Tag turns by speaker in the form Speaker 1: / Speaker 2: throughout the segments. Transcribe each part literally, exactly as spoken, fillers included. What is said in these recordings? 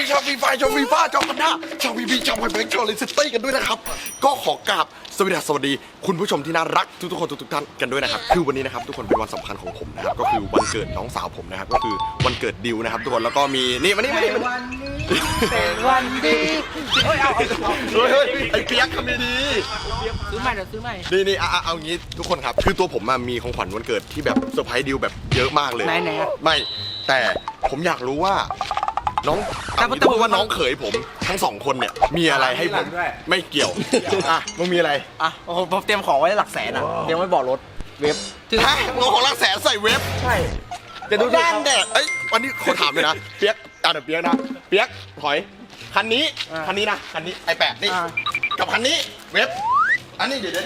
Speaker 1: ชาวฟีไฟชาวฟีฟ้าชาวกันด้าชาววีบีชาวไฮแบงค์ชาวเลสเต้กันด้วยนะครับก็ขอกราบสวัสดีสวัสดีคุณผู้ชมที่น่ารักทุกๆคนทุกๆท่านกันด้วยนะครับคือวันนี้นะครับทุกคนเป็นวันสำคัญของผมนะครับก็คือวันเกิดน้องสาวผมนะครับก็คือวันเกิดดิวนะครับทุกคนแล้วก็มีนี่มานี่มานี่มานี่
Speaker 2: เป็นวันดีเฮ้ยเอา
Speaker 1: เฮ้ยเฮ้ยไอ้เปียกทำดี
Speaker 2: ซื้อใหม่เดี๋ยวซื้อใหม่
Speaker 1: นี่นี่เอาเอางี้ทุกคนครับคือตัวผมมีของขวัญวันเกิดที่แบบเซอร์ไพรส์ดิวแบบเยอะมากเลย
Speaker 2: ไหนไหน
Speaker 1: ไม่แต่ผมอยากรู้ว่าน้องเอางี้พูดว่าน้องเขยผมทั้งสองคนเนี่ยมีอะไรให้ผมไม่เกี่ยวอ่ะมึงมีอะไร
Speaker 2: อ่ะผมเตรียมของไว้หลักแสนอ่ะเตรียมไว้บอกรถเว็บ
Speaker 1: ฮะมึงเอาของรักแสนใส่เว็บ
Speaker 2: ใช่
Speaker 1: จะดูด้านแดดเอ้ยวันนี้ขอถามเลยนะเปียกอ่ะเดี๋ยวเปียกนะเปียกถอยคันนี้คันนี้นะคันนี้ไอแปดนี่กับคันนี้เว็บอันนี้เดี๋ยวเดี๋ยว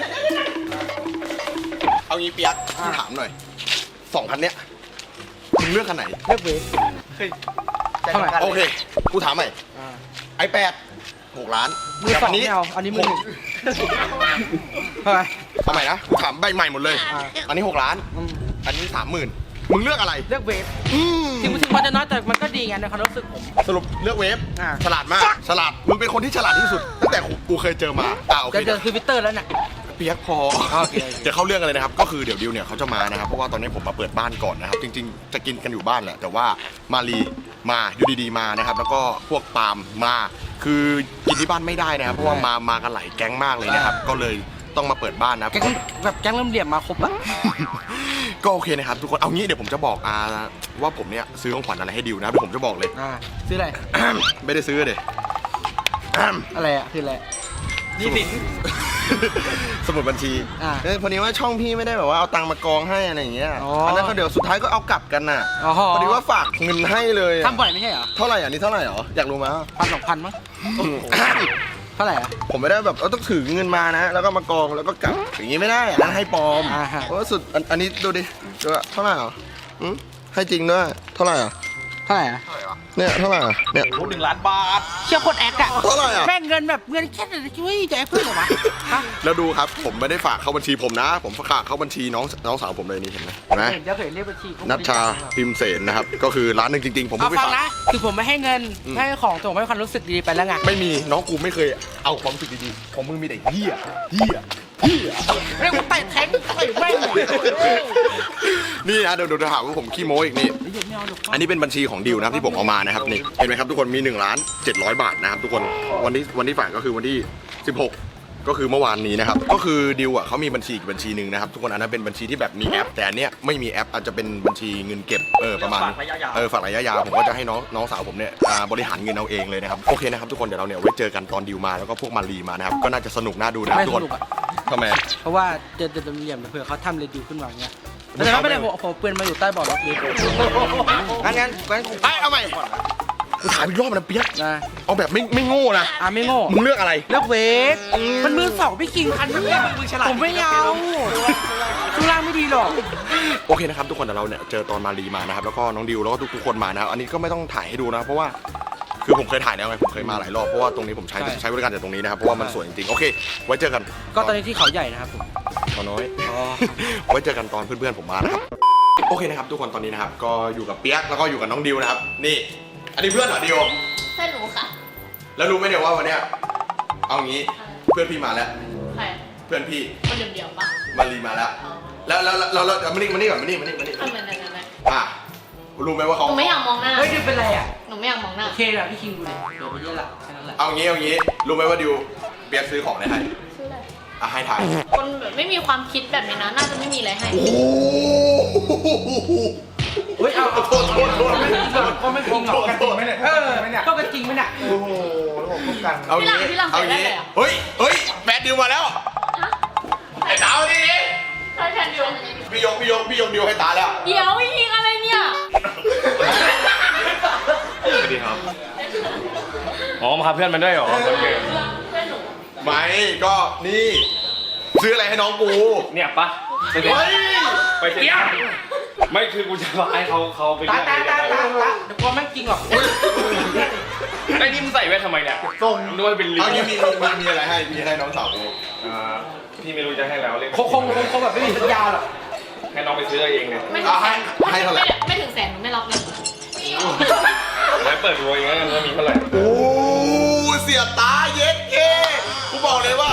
Speaker 1: เอางี้เปียกพี่ถามหน่อยสองคันเนี้ยมึงเลือกคันไหน
Speaker 2: เลือกเว็บเท่าไหร่
Speaker 1: โอเคกูถามใหม่ไอแปดหกล้าน
Speaker 2: มือสองไม่เอาอันนี้มือหนึ่งเท่าไหร่
Speaker 1: เอาใหม่นะกูถามใบใหม่หมดเลยอันนี้หกล้านอันนี้สามหมื่นมึงเลือกอะไร
Speaker 2: เลือกเว็บ
Speaker 1: อืม
Speaker 2: ถึงถึงมันจะน้อยแต่มันก็ดีไงในความรู้สึกผม
Speaker 1: สรุปเลือกเวฟ
Speaker 2: อ่า
Speaker 1: ฉลาดมากฉลาดมึงเป็นคนที่ฉลาดที่สุดตั้งแต่กูเคยเจอมาอ่าโอเค
Speaker 2: จะเจอทวิตเตอร์แล้วเนี่ย
Speaker 1: เปียกพอจะเข้าเรื่องกันเลยนะครับก็คือเดี๋ยวดิวเนี่ยเขาจะมานะครับเพราะว่าตอนนี้ผมมาเปิดบ้านก่อนนะครับจริงๆจะกินกันอยู่บ้านแหละแต่ว่ามารีมาอยู่ดีๆมานะครับแล้วก็พวกปาล์มมาคือกินที่บ้านไม่ได้นะครับเพราะว่ามามากันหลายแก๊งมากเลยนะครับก็เลยต้องมาเปิดบ้านนะ
Speaker 2: แก๊งแบบแก๊งเริ่มเหลี่ยมมาครบอะ
Speaker 1: ก็โอเคนะครับทุกคนเอางี้เดี๋ยวผมจะบอกอาว่าผมเนี่ยซื้อของขวัญอะไรให้ดิวนะเดี๋ยวผมจะบอกเลย
Speaker 2: อ่าซื้ออะไร
Speaker 1: ไม่ได้ซื้อเด็
Speaker 2: อะไรอะคืออะไรนี่สิน
Speaker 1: สมุดบัญชี
Speaker 2: อ่า
Speaker 1: เอ้ยพอดีว่าช่องพี่ไม่ได้แบบว่าเอาตังค์มากองให้อะไรอย่างเงี้ย
Speaker 2: อ๋ออั
Speaker 1: อันนั้นก็เดี๋ยวสุดท้ายก็เอากลับกันน่ะ
Speaker 2: อ๋อ
Speaker 1: พอดีว่าฝากเงินให้เลยอะ
Speaker 2: ทำบ่อยไม่ใช่เหรอ
Speaker 1: เท่าไหร่อ่ะนี่เท่าไหร่เหรออยากรู้ไหม
Speaker 2: พันสองพันมั้งเท่าไหร่อะ
Speaker 1: ผมไม่ได้แบบเออต้องถือเงินมานะ แล้วก็มากองแล้วก็กลับอย่างงี้ไม่ได้อันนั้นให้ปลอม
Speaker 2: อ่าฮะ
Speaker 1: เพราะว่าสุดอันอันนี้ดูดิดูอะเท่าไหร่เหรออืมให้จริงด้วยเท่าไหร่อ่ะ
Speaker 2: เท่าไหร่อะ
Speaker 1: เนี่ยเท่าไหร่อ่ะเนี่ย
Speaker 2: หนึ่งล้านบาทเชี่ยโคตรแอคอะ
Speaker 1: เท่าไหร่อะ
Speaker 2: แม่งเงินแบบเงินแค่ไหนช่วยจะแอคเพื่อนเหรอวะฮะ
Speaker 1: แล้วดูครับผมไม่ได้ฝากเข้าบัญชีผมนะ ผมฝากเข้าบัญชีน้องน้องสาวผมเลยนี่เห็นไหมเห็นไหม
Speaker 2: เห็นจะเคยเรียกบัญชี
Speaker 1: นัชชาพิมเสนนะครับก็คือร้านหนึ่งจริงๆ ผม
Speaker 2: เอา
Speaker 1: เพิ่งไป
Speaker 2: ฟัง
Speaker 1: ฝาก
Speaker 2: นะคือผมไม่ให้เงินให้ของแต่ผมให้ความรู้สึกดีๆไปแล้วไง
Speaker 1: ไม่มีน้องกูไม่เคยเอาความรู้สึกดีๆของมึงมีแต่เหี้ยเหี้ยเหี้ย
Speaker 2: เรียกว่าเตะแทงต่อยแม่งเลย
Speaker 1: นี่นะเดี๋ยวเดี๋ยวถามว่าผมขี้โม้อีกนี่อันนี้เป็นบัญชีของดิวนะครับที่ผมเอามานะครับนี่เห็นไหมครับทุกคนมีหนึ่งล้านเจ็ดร้อยบาทนะครับทุกคนวันที่วันที่ฝากก็คือวันที่สิบหกก็คือเมื่อวานนี้นะครับก็คือดิวอ่ะเขามีบัญชีอีกบัญชีหนึ่งนะครับทุกคนอันนั้นเป็นบัญชีที่แบบมีแอปแต่อันเนี้ยไม่มีแอปอาจจะเป็นบัญชีเงินเก็บเออประมาณเออฝากระยะยาวผมก็จะให้น้องน้องสาวผมเนี่ยอ่าบริหารเงินเอาเองเลยนะครับโอเคนะครับทุกคนเดี๋ยวเราเนี่ยไว้เจอกันตอนดิวมาแล้วก็พวกมารีมานะครับก็น่าจะสนุกน่าดูนะ
Speaker 2: ไม่
Speaker 1: ทุก
Speaker 2: ส
Speaker 1: คน
Speaker 2: นุกอะ
Speaker 1: ทำไม
Speaker 2: เพราะว่าเจอเต็มเหลี่ยมเผื่อเขาทำเรดิวขึ้นมาเงี้ยแต่ไม่เป็นไรผมผมเปืนมาอยู่ใต้เบาะรถดีงั้นงั้นงั้น
Speaker 1: ไอ้เอาใหม่กูถามอีกรอบนะเปี๊ยก
Speaker 2: นะ
Speaker 1: เอาแบบไม่ไม่โง่นะ
Speaker 2: อ่ะไม่โง่
Speaker 1: มึงเลือกอะไร
Speaker 2: เลือกเวกมันมือสองพี่คิงคันนี้ผมไม่เอาช่วงล่างไม่ดีหรอก
Speaker 1: โอเคนะครับทุกคนเดี๋ยวเราเนี่ยเจอตอนมารีมานะครับแล้วก็น้องดิวแล้วก็ทุกๆคนมานะครับอันนี้ก็ไม่ต้องถ่ายให้ดูนะเพราะว่าคือผมเคยถ่ายแล้วไงผมเคยมาหลายรอบเพราะว่าตรงนี้ผมใช้ใช้บริการจากตรงนี้นะครับเพราะว่ามันสวยจริงๆโอเคไว้เจอกัน
Speaker 2: ก็ตอนนี้ที่เขาใหญ่นะครับผม
Speaker 1: ขอน้อย ไว้เจอกันตอนเพื่อนๆผมมานะครับโอเคนะครับทุกคนตอนนี้นะครับก็อยู่กับเปี๊ยกแล้วก็อยู่กับน้องดิวนะครับนี่อันนี้เพื่อนเหรอดิว
Speaker 3: เพื่อนหนูค่ะ
Speaker 1: แล้วรู้ไหมเนี่ยว่าวันเนี้ยเอางี้เพื่อนพี่มาแล้ว
Speaker 3: ใคร
Speaker 1: เพื่อนพี่
Speaker 3: คนเดียวๆปะ
Speaker 1: มารีมาแล้ว แล้วแล้วแล้วแล้วมานี่มานี่ก่อนมานี่มานี่มานี่
Speaker 3: ทำไมไหนไหนไหน
Speaker 1: อ่ะรู้ไหมว่า
Speaker 3: ห
Speaker 1: เขา
Speaker 3: นูไม่อยากมองหน้า
Speaker 2: เฮ้ยดิวเป็นไรอ่ะ
Speaker 3: หนูไม่อยากมองหน้า
Speaker 2: โอเคนะพี่คิงดูเลยเดี๋ยวไปเยอะละแค่นั้นแหละ
Speaker 1: เอางี้เอางี้รู้ไหมว่าดิวเปียกซื้อของอะไรให้
Speaker 3: ชื่ออะไร
Speaker 1: อ่ะให้ถ่าย
Speaker 3: คนแบบไม่มีความคิดแบบนี้นะ น่าจะไม่มีอะไรให้
Speaker 1: โอ้โห
Speaker 2: เฮ้ยเอาเอา
Speaker 1: โทษโทษโทษ
Speaker 2: ไม่จริงหรอกก็ไม่จริงหรอกกันจริงไหมเนี่ยเออก็กันจริงไหมเนี่ย
Speaker 1: โอ้โหผมพบกันเอา
Speaker 3: พี่หลัง
Speaker 1: งี้
Speaker 3: พี่หลัง
Speaker 1: เอา
Speaker 3: ใส่ได้
Speaker 1: งี้
Speaker 3: เลยอ่ะ
Speaker 1: เฮ้ยเฮ้ยแบดดิวมาแล้ว
Speaker 3: ฮะ
Speaker 1: ไอ้ดาวนี่
Speaker 3: ใช่แทนเดียว
Speaker 1: พี่ยกพี่ยกพี่ยกดิวให้ตาแล้ว
Speaker 3: เดี๋ยวยิงอะไรเนี่ย
Speaker 4: สวัสดีครับ อ๋อ มาพาเพื่อนมาด้วยเหรอโอเค
Speaker 3: เพื่อนหนู
Speaker 1: ไม่ก็นี่ซื้ออะไรให้น้องกู
Speaker 4: เนี่ยปะไปเถ
Speaker 1: เฮ้ย
Speaker 4: อะไปเถอะไม่คือกูจะมาให้เขาเขาไป
Speaker 2: ตา
Speaker 4: เรื่อย
Speaker 2: ตาตาตาตาเดี๋ยวกลัวไม่จริงหรอก
Speaker 4: ไอ้นี่มึงใส่แว่นทำไมเนี่ยส่งด้วยเป็นลิง
Speaker 1: เอางี้มีมีมีอะไรให้มีให้น้องสาวกู
Speaker 4: อ่าพี่ไม่รู้จะให้แล้วเรียก
Speaker 2: คงคงคงคงแบบไม่มีสัญญาหรอก
Speaker 4: ให้น้องไปซื้อเองเลย
Speaker 3: ไม่ถึงแสนไม่ถึงแสนหนูไม่รับเงิน
Speaker 4: แล้วเปิดดูอย่างเงี้ยมันมีเท่าไหร่
Speaker 1: โอ้เสียตาเย็ดเคกูบอกเลยว่า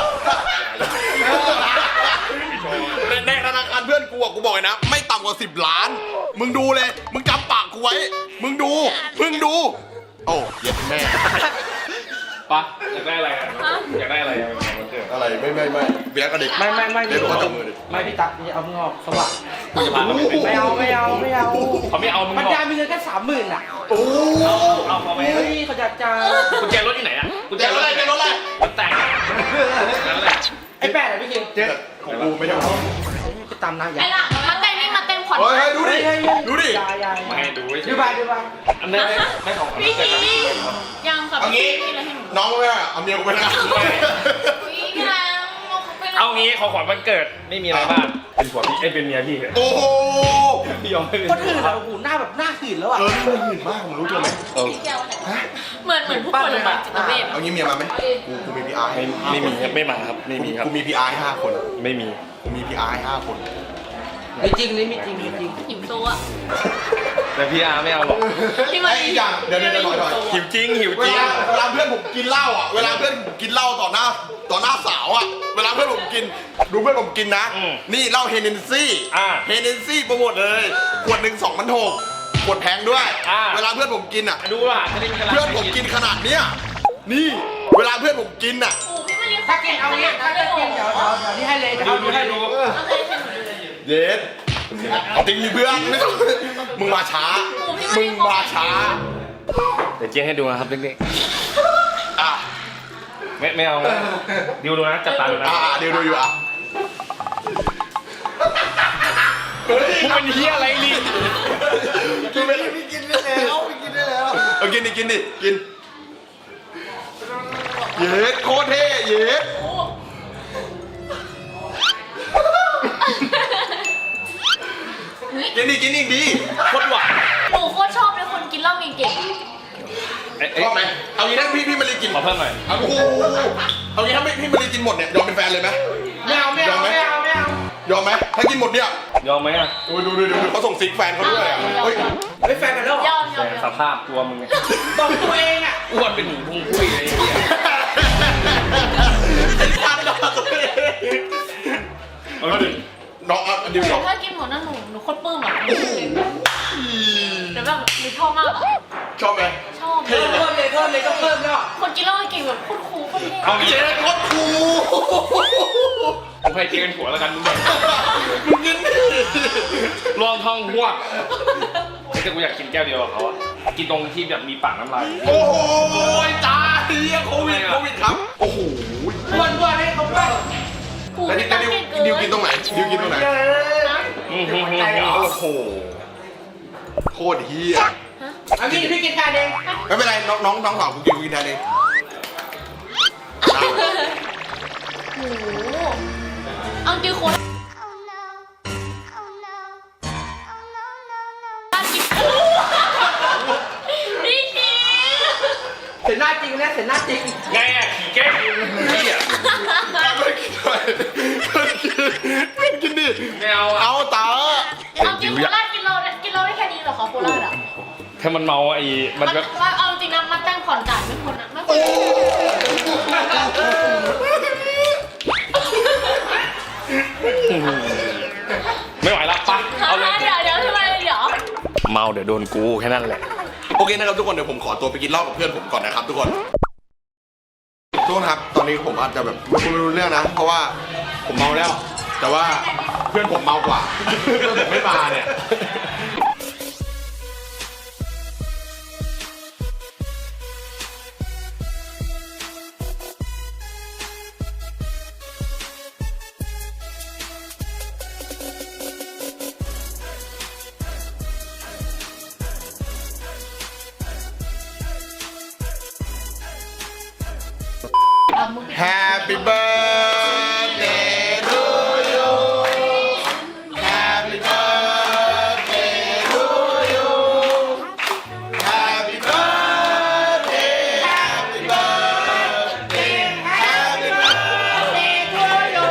Speaker 1: ในในธนาคารเพื่อนกูอะกูบอกเลยนะ ไม่ต่ำกว่าสิบล้าน มึงดูเลย มึงจำปากกูไว้ มึงดู มึงดู โอ้เย็ดแม่
Speaker 4: ปะอยากได้อะไรอ่ะอยากได้อะไรอ่ะมันเกิด
Speaker 1: อะไรไม่ไม่ไม่เบียร์กับเด็ก
Speaker 2: ไม่ไม่ไม่
Speaker 1: เดี๋ยวเขาจับมือดิ
Speaker 2: ไม่พี่ตั๊กนี่เอามึงออกสว่าง
Speaker 4: กูจะพาเขาไปเป็น
Speaker 2: ไม่เอาไม่เอาไม่เอา
Speaker 4: เขาไม่เอามึง
Speaker 2: มัน
Speaker 4: หรอก
Speaker 2: ยามีเงินแค่สามหมื่นอ่ะ
Speaker 1: โอ้
Speaker 4: เอาเขาไป
Speaker 2: เฮ้ยเขาอยากจะ
Speaker 4: กุญแจรถอยู่ไหนอ่ะกุญแจ
Speaker 1: เจ๊รถอะไรเจ๊รถอะไร
Speaker 4: มันแตกนั่นแหละ
Speaker 2: ไอ้แปดอะพี่คิง
Speaker 1: เจ๊ของกูไม่ใช่ของ
Speaker 2: ไปตามนางอย่า
Speaker 3: ไอ้หลังมาเต้นนี่มาเต้นผ่อน
Speaker 1: เฮ้ยดูดิ ดูดิ
Speaker 2: ยายาย
Speaker 4: มาให้ดู
Speaker 2: ดูไปดูไป
Speaker 4: อันนี้ได้ของขวัญ
Speaker 3: พี่
Speaker 4: เกิด
Speaker 3: ทียังกับ
Speaker 1: เอางี้
Speaker 3: พี่แล้วให้หนู
Speaker 1: น้องไม่เอาเอาเมียกูไปนะ
Speaker 3: พี่แรงไปแล้ว
Speaker 4: เอางี้ของขวัญวันเกิดไม่มีอะไรมากเป็นผัวพี่เอ้ยเป็นเมียพี่เถอะ
Speaker 1: โอ้โห
Speaker 4: พี่ยอมให้เป็น
Speaker 2: คนอื่นอะโอ้โหหน้าแบบหน้าหื่นแล้วอะ
Speaker 1: เออนี่มันหื่นมากมึงรู้ตัวไหม
Speaker 4: เออ
Speaker 3: เหมือนเหมือนผู้ป่วยโรงพยาบาลจิตเวช
Speaker 1: เอางี้เมียมาไหมกูกูมีพีอาร์
Speaker 4: ไม่ไม่มีครับไม่มาครับไม่มีครับ
Speaker 1: กูมีพีอาร์ให้ห้าคน
Speaker 4: ไม่มี
Speaker 1: กูมีพีอาร์ให้ห้าคน
Speaker 2: ไม่จริงนี่ไม่จริงไม่จริง
Speaker 3: หิวโซอะ
Speaker 4: แต่พี่อาร์ไม่เอาหรอก
Speaker 3: พี่มา
Speaker 1: ไอ้อีกอย่างเดี๋ยวเดี๋ยวเดี๋ยวถอยถอย
Speaker 4: หิวจริงหิว
Speaker 1: เว
Speaker 4: จริง
Speaker 1: ลาเวลาเพื่อนผมกินเหล้าอ่ะ เวลาเพื่อนผมกินเหล้าต่อหน้าต่อหน้าสาวอ่ะ เวลาเพื่อนผมกิน ดูเพื่อนผมกินนะ นี่เหล้าเฮเนนซี่เฮเนนซี่โปรโมทเลย ขวดหนึ่งสองพันหกขวดแพงด้วย เวลาเพื่อนผมกินอ่ะ
Speaker 4: ดูล่ะจะได้มีกำลัง
Speaker 1: เพื่อนผมกินขนาดเนี้ย นี่ เวลาเพื่อนผมกินอ่ะ
Speaker 3: โอ้พี่มาเรียน
Speaker 2: ถ้ากินเอางี้ถ้ากินเดี๋ยวเดี๋ยวเดี๋ยวนี่ให้เลยเดี๋ยว
Speaker 4: ดู
Speaker 2: เอา
Speaker 4: ดู
Speaker 2: ดู
Speaker 4: ให้
Speaker 2: ให้
Speaker 4: ดู
Speaker 2: ดู
Speaker 3: โอเคให้หนูดูเลย
Speaker 1: เย็ดเอาจริงดิเพื่อนไม่ต้องมึงมาช้า มึงมาช้า
Speaker 4: เดี๋ยวเจ๊ให้ดูนะครับเด็ก
Speaker 1: อ่ะ
Speaker 4: ๆไม่ไม่เอาดูดูนะจับตาดูนะ
Speaker 1: อ่ะเดี๋ยวดูอยู่อ่ะ
Speaker 4: มึงเป็นเฮียอะไรลิง
Speaker 1: กินไปเลยกินได้แล้วกินได้แล้วเอากินดิกินดิกิน เย็ดโคตรเท่เย็ดกินดิกินอีกดี
Speaker 4: โคตรหวาน
Speaker 3: หนูโคตรชอบเลยคนกินเหล้าเก่ง
Speaker 4: เอ้ย
Speaker 1: ชอบไหมเอางี้ถ้าพี่พี่มารีกิน
Speaker 4: ขอเพิ่มหน่อย
Speaker 1: เอาโอ้โหเอางี้ถ้าไม่พี่มารีกินหมดเนี่ยยอมเป็นแฟนเลยไหม
Speaker 2: ไม่เอาไม่เอาไม่เอาไม่เอา
Speaker 1: ยอมไหมถ้ากินหมดเนี่ย
Speaker 4: ยอมไหมอ่ะ
Speaker 1: โอ้ยดูดูดูดูเขาส่งซิกแฟนเขาด้วยอ่ะเฮ้ย
Speaker 2: เฮ้ยแฟนกันแล้วเหร
Speaker 3: ๆย
Speaker 2: อ
Speaker 3: อมยอมย
Speaker 4: ส
Speaker 3: อม
Speaker 4: ภาพตัวมึง
Speaker 2: บอกตัวเองอ่ะ
Speaker 4: อ้วนเป็นหนูพุงพุ้ยเลยไอ้เหี้ย
Speaker 1: ไอ้สัตว์ด่าตัวเอง
Speaker 4: เอาดิ
Speaker 1: น้องอ่ะเดี๋ยว
Speaker 3: แต่
Speaker 1: ก่อน
Speaker 3: ถ้ากินหมดนั่นหนูหนูโคตรปลื้มอ่ะแต่แบบหนูชอบมากอะ
Speaker 1: ชอบไหม
Speaker 3: ชอบ
Speaker 2: เพิ่มเลยเพิ่มเลยก็เพิ่มแล้ว
Speaker 3: คนกินเหล้าเก่งแบบโคตรคูลโคตรเท่
Speaker 4: เอางี้
Speaker 1: เจ๊โคตรคูล
Speaker 4: ผมให้เจ๊เป็นผัวแล้วกันมึงแบบ
Speaker 1: มึงกินดิ
Speaker 4: ลองท้องหัวแต่กูอยากกินแก้วเดียวกับเขาอะกินตรงที่แบบมีปากน้ำลาย
Speaker 1: โอ้โหตายเฮียโควิดโควิดครับโอ้โห
Speaker 2: บ้วนบ้วนให้เขาบ้วน
Speaker 3: คูล
Speaker 1: แล้ว
Speaker 3: ไม่
Speaker 1: ดิ
Speaker 3: ต้อง
Speaker 1: ดิว
Speaker 3: เก่งเกิน
Speaker 1: ดิวกินตรงไหนดิวกินตรงไหน
Speaker 4: อืมอืมอืม
Speaker 1: โอ้โหโคตรเฮีย
Speaker 2: อันนี้พี่กินแทนเอง
Speaker 1: ไม่เป็นไรน้องน้องน้องสาวกูกินกูกินแทนเอง
Speaker 3: โอ้โหเอาจริงคนนี่จริง
Speaker 2: เสียหน้าจริงนะเสียหน้าจริง
Speaker 4: ไงอะขี่แก้วเหี้ย
Speaker 1: ไม่กินด้วยไม่กินดิ
Speaker 4: ไม่เอาอะ
Speaker 1: เอาตา
Speaker 3: เอาจริงโคราชกินเรากินเราได้แค่นี้เหรอคะโคราชอ่ะ
Speaker 4: ถ้ามันเมาไอ้มั
Speaker 3: มัน น
Speaker 4: แบบ
Speaker 3: เอาจริงนะมันแต่งผ่อนจ่ายไม่พ้นอะไม่พ้
Speaker 1: โอ้
Speaker 3: น
Speaker 4: ไม่ไหวละปะเอาเลย
Speaker 3: เดี๋ยวเดี๋ยวทำไมเดี๋ยว
Speaker 4: เมาเดี๋ยวโดนกูแค่นั้นแหละ
Speaker 1: โอเคนะครับทุกคนเดี๋ยวผมขอตัวไปกินเหล้ากับเพื่อนผมก่อนนะครับทุกคนทุกคนครับตอนนี้ผมอาจจะแบบไม่รู้เรื่องนะ เพราะว่าผมเมาแล้ว แต่ว่าเพื่อนผมเมากว่าเพื่อนผมไม่มาเนี่ย Happy birthday to you Happy birthday to you Happy birthday Happy birthday Happy birthday to you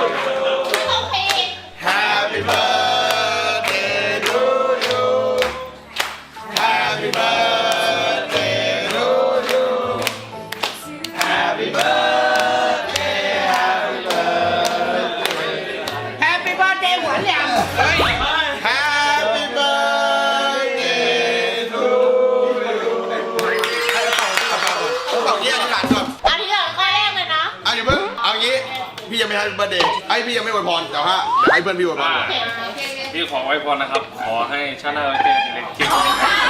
Speaker 1: Happy birthday to you Happy birthday Happy birthday to you เอางี้อธิษฐานก่อน
Speaker 3: อันนี้เหรอข้อแรกเลยนะ
Speaker 1: เอาอย่าเพิ่งเอางี้พี่ยังไม่ให้เบอร์เดย์ไอ้พี่ยังไม่อวยพรแต่ว่าเดี๋ยวให้เพื่อนพี่อวยพรก่อน
Speaker 3: โอเคโอเค
Speaker 4: พี่ขอไว้พรนะครับ ขอให้ชาติหน้าไว้เจอกันอีกเลยคิด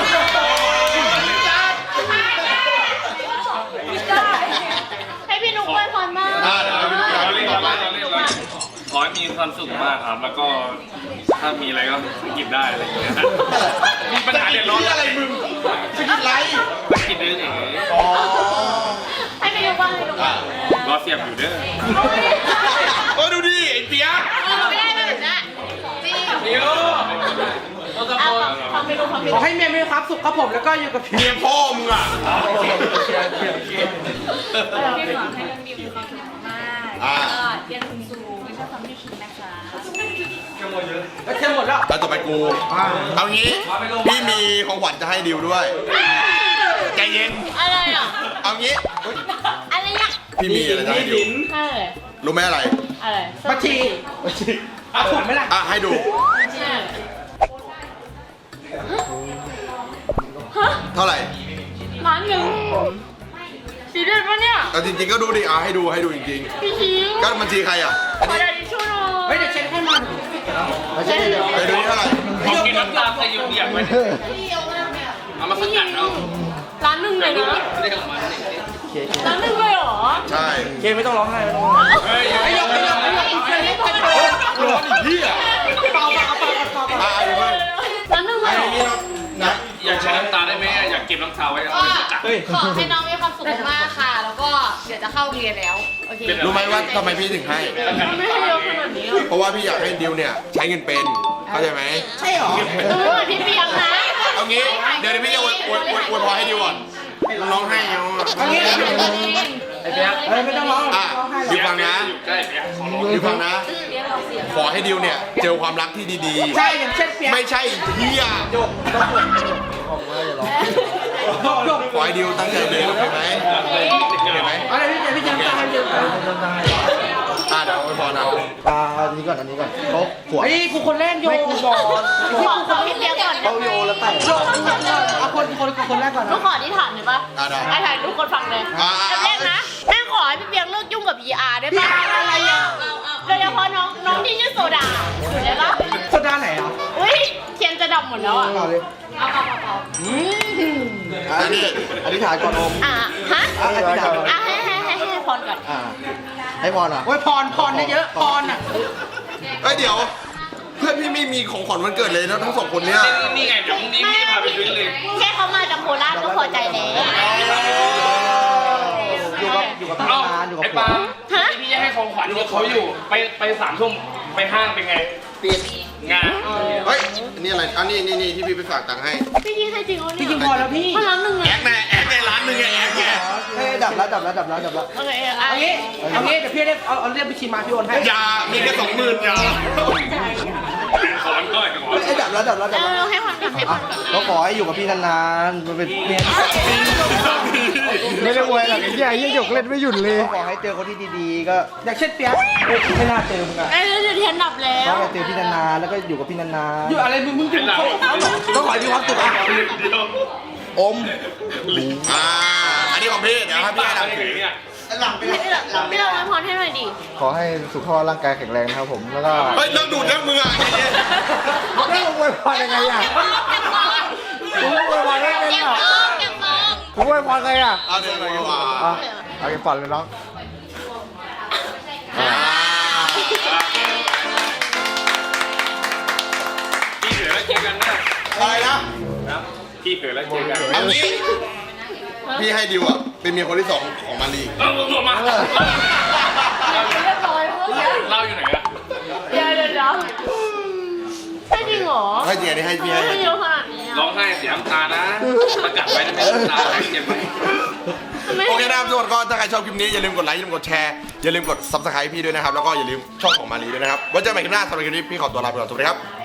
Speaker 3: ให้พี่นุ๊กอวยพรมาก
Speaker 1: อ่าเดี๋ยวให้พี่นุ๊ก
Speaker 4: เราเล่นเราเล่นเราเล่นเราเล่นขอให้มีความสุขมากครับ แล้วก็ถ้ามีอะไรก็กินได้อะไรอย่างเงี้ยมีปัญหาเดือดร้อน
Speaker 1: อะไรมึงสกินไลท์
Speaker 4: กินได้เอง
Speaker 1: อ๋อ
Speaker 3: ให้พี่นุ๊กว่าให้นุ๊กว่าร
Speaker 4: อเสียบอยู่เด้อ
Speaker 1: เออดูดิไอ้เปียก
Speaker 3: ไม่ได้แบบนั้นจริง
Speaker 4: เดี๋ยว
Speaker 3: เอาฟังไปดูฟังไป
Speaker 2: ข
Speaker 3: ดู
Speaker 2: อให้เมียมีความสุขครับผมแล้วก็อยู่กับพี่
Speaker 1: เมียพ่อมึงอ่ะ
Speaker 5: พี่ขอให้น้องดิวมีความสุขมากๆแล้วก็เรียนสูงๆไม่ชอบทำให้คิดนะคะ
Speaker 2: แล้วเค็มหมดแล้ว
Speaker 1: แล้วต่อไปกู เอางี้พี่มีของขวัญจะให้ดิวด้วยใจเย็น
Speaker 3: อะไรอ่ะ
Speaker 1: เอางี้
Speaker 3: อะไรอ่ะ
Speaker 1: พี่มีอะไรจะให้ดิว
Speaker 3: อะไร
Speaker 1: รู้ไหมอะไร
Speaker 3: อะไร
Speaker 2: บัญชีเอาถูกไหมล่ะ
Speaker 1: อ่ะให้ดู
Speaker 3: ฮะ
Speaker 1: เท่าไหร่
Speaker 3: ล้านหนึ่งสีเดือนปะเนี่ย
Speaker 1: แต่จริงๆก็ดูดิอ่ะให้ดูให้ดูจริง
Speaker 3: พี่ชิง
Speaker 1: ๆก็บัญชีใครอ่ะอัน
Speaker 3: ขอ
Speaker 1: นี้
Speaker 3: ได้ดิช่วยหน่อย
Speaker 2: เฮ้ยเดี๋ยวเช็คให้มัน
Speaker 1: ไม่ใช่เดี๋ยวไปดูนี่เท่าไหร่
Speaker 4: ขอกินน้ำตาลใส่ยุ่งเหยิงไว้เอามาสกัดเอา
Speaker 3: ล้านหนึ่งเลยนะล้านหนึ่งเลยเหรอ
Speaker 1: ใช่
Speaker 2: เคไม่ต้องร้องไห้ไม่ต้องร้องไห้
Speaker 4: เฮ้ย
Speaker 2: ไอ้ยกไอ้ยกไอ้ยกไอ้ยกไอ้ยก
Speaker 1: ร้อนอีกที่อ่ะ
Speaker 2: เปล่าเปล่าเปล่าเปล่าเปล่า
Speaker 1: อ่ะเดี๋ยวไป
Speaker 3: ล้านหนึ่งเลยเหรอ
Speaker 1: นะ
Speaker 4: อยากใช้น้ำตาได้ไหมอยากเก็บน้ำตาไว้เอา
Speaker 3: ก็
Speaker 4: ไปสกัด
Speaker 3: ขอให้น้องมีความสุขมากๆค่ะ แล้วก็เดี๋ยวจะเข้าเรียนแล้ว โอเค
Speaker 1: รู้ไหมว่าทำไมพี่ถึงให้
Speaker 3: ไม่ให้เยอะขนาดนี้หรอ
Speaker 1: เพราะว่าพี่อยากให้ดิวเนี่ยใช้เงินเป็น เข้าใจไหม
Speaker 2: ใช่เหรอ
Speaker 3: เออเหมือนพี่เปียกนะ
Speaker 1: เอางี้ เดี๋ยวเดี๋ยวพี่จะอวยอวยอวยอวยพรให้ดิวก่อนร้องไห้เอาอ่ะ
Speaker 2: เอางี้
Speaker 4: ไอ้เปียก
Speaker 2: เอ้ยไม่ต้องร้อง
Speaker 1: อ่ะ
Speaker 2: ร้องไห้หร
Speaker 1: ดิ
Speaker 2: อก
Speaker 1: วฟังนะ
Speaker 4: อยู่ใกล้เปียกขอร้อง
Speaker 1: ดิวฟังนะ ขอให้ดิวเนี่ยเจอความรักที่ดี
Speaker 2: ใช่อย่างเช่นเปีย
Speaker 1: ๆ
Speaker 2: ก
Speaker 1: ไม่ใช่เฮีย
Speaker 2: โยกโยก
Speaker 1: ขอให้ดิวตั้งใจเรียนเห็นไหมเห็นไหม
Speaker 2: อะไรพี่เจพี่เจน้ำตาให้เยอะ
Speaker 1: อ่ะเดี๋ยวอวยพรเอา
Speaker 6: อ่าอันนี้ก่อนอันนี้ก่อนเขาขวด
Speaker 2: ไอ้กูคนแรกโยไม่กูบอก
Speaker 3: ขอขอพี่เปียกก่อนนะ
Speaker 6: เขาโยนแล้วแต่
Speaker 2: โยกเอาคนคนคนแรกก่อน
Speaker 3: ลู
Speaker 2: นะ
Speaker 3: กขอที่ฐานหน่อยปะ
Speaker 1: อ่ะได้
Speaker 3: ไอ้ถ่ายทุกคนฟังเลย
Speaker 1: อ่า
Speaker 3: อันแรกนะแม่ขอให้พี่เปียกเลิกยุ่งกับ พี อาร์ ได้ปะอะไรอ่ะโดยเฉพาะน้องน้องที่ชื่อโซดาได้ปะ
Speaker 2: โซดาไหนอ่ะ
Speaker 3: อุ้ยเทียนจะดำหมดแล้วอ่ะ
Speaker 6: ต่อเลย
Speaker 3: เอาเอาเอาเอา
Speaker 6: อันนี้อธิษฐานก่อนอม
Speaker 3: อ่ะฮะ
Speaker 6: อ่ะอธิษฐานก่อน
Speaker 3: อ่ะให้ให้ให้ให้พรก่อน
Speaker 6: อ่าให้พรอ่ะ
Speaker 2: โอ้ยพรพรเยอะพรอ่ะ
Speaker 1: เอ้ยเดี๋ยว เพื่อนพี่ไม่มีของขวัญวันเกิดเลยนะทั้งสองคนเนี่ย
Speaker 4: นี่ไงเดี๋ยวพรุ่งนี้พี่พาไปซื้อเลย
Speaker 3: แค่เขามาจากโคราชก็พอใจแล้ว
Speaker 6: อยู่กับอยู่กับพี่
Speaker 4: เอ้าน
Speaker 6: านอยู่กับ
Speaker 4: ไอ้
Speaker 6: ผัว
Speaker 4: ปาที่พี่จะให้ของขวัญเขาอยู่ ไปไปสามทุ่มไปห้างเป็นไง
Speaker 6: ปิด
Speaker 4: งาน
Speaker 1: เฮ้ยอันนี้อะไรอันนี้นี่นี่ที่พี่ไปฝากตังค์ให้
Speaker 3: พี่ยิงให้จริงเหรอเนี่ย
Speaker 2: พี่ยิงพอแล้วพี่
Speaker 3: พลังหนึ่ง
Speaker 1: แอ
Speaker 3: อ่ะ
Speaker 1: คแน่แอคในร้านหนึ่งไงแอคไง
Speaker 6: เฮ้ยดับแล้วดับแล้วดับแล้วดับแล้ว
Speaker 3: โอเค
Speaker 2: เอางี้เอางี้เดี๋ยวพี่เรียกเอาเอาเรียกบัญชีมาพี่โอนให้
Speaker 1: อย่ามีแค่สองหมื่นอย่า
Speaker 4: ขอวันก้อยขอ
Speaker 6: เฮ้ยดับแล้วดับแล้วดับ
Speaker 3: เอ
Speaker 6: แล้ว
Speaker 3: อให้พรก่อนให้พ
Speaker 6: อ่ะ
Speaker 3: รก่อน
Speaker 6: เขาขอให้อยู่กับพี่นานๆมันเป็นเมียไม่ได้อวยหรอกไอ้เหี้ยยี่หยกเล่นไม่หยุดเลยขอให้เจอคนที่ดีๆ ก็
Speaker 2: อย่างเช่นเปียกไม่น่าเจอมึงอ่ะ
Speaker 3: เอ้ยเดี๋ยวเทียนดับแล้
Speaker 6: ขอ
Speaker 3: ว
Speaker 6: ให้เจอพี่นานๆแล้วก็อยู่กับพี่นาน
Speaker 2: อยู่อะไรมึงมึงอยู่
Speaker 4: เป็นไร
Speaker 2: เขาเขา
Speaker 6: ต้องขอให้มีความสุขอ่ะ
Speaker 4: เดียว
Speaker 6: ๆอม
Speaker 1: อ่าอันนี้ของพี่เดี๋ยวให้พี่ให้
Speaker 4: อะ
Speaker 1: ดัง
Speaker 4: ไร
Speaker 1: ถือ
Speaker 4: เนี่ย
Speaker 3: พี่เราพี่เราอวยพรให้หน่อยดิ
Speaker 6: ขอให้สุขภาพร่างกายแข็งแรงนะครับผมแล้วก็
Speaker 1: เฮ้ยเลิกดูดเลิกมืออ่ะใจเย็น
Speaker 6: แล้วอวยพรยังไงอ่ะ
Speaker 3: เก็บฟอง
Speaker 6: ผมอวยพรได้ไง
Speaker 3: เก็บ
Speaker 6: อ่ะ
Speaker 3: ฟองเก็บฟอง
Speaker 6: ผมอวยพรไงอ่ะ
Speaker 1: เอาเดี๋ยวดีกว่า
Speaker 6: อ่ะเอาไปฝันเลยน้อง
Speaker 1: อ่า
Speaker 4: พี่เผือแล้วเจอกันนะ
Speaker 1: อะไรนะ
Speaker 4: พี่เผือแล้วเจอกัน
Speaker 1: เอางี้พี่ให้ดิวอ่ะเป็นเมียคนที่สองของมารี
Speaker 4: เออผมมา
Speaker 3: เรียบร้อยเมื่อกี้
Speaker 4: เล่าอยู่ไหนอะ
Speaker 3: เดี๋ยวเดี๋ยวเดี๋ยวใช่จริงเหรอ
Speaker 1: ให้จริงอันนี้ให้พี่ให้
Speaker 3: ไม่เยอะขนาดนี้
Speaker 4: ร้อ
Speaker 3: อ่ะ
Speaker 4: งไห้เสียน้ำตานะประกาศไว้นะไม่น้ำตาเจ็บไหม
Speaker 1: โอเคนะครับทุกคนก็ถ้าใครชอบคลิปนี้อย่าลืมกดไลค์อย่าลืมกดแชร์อย่าลืมกด ซับสไครบ์ พี่ด้วยนะครับแล้วก็อย่าลืมช่องของมารีด้วยนะครับไว้เจอกันใหม่คลิปหน้าสำหรับคลิปนี้พี่ขอตัวลาไปก่อนสวัสดีครับ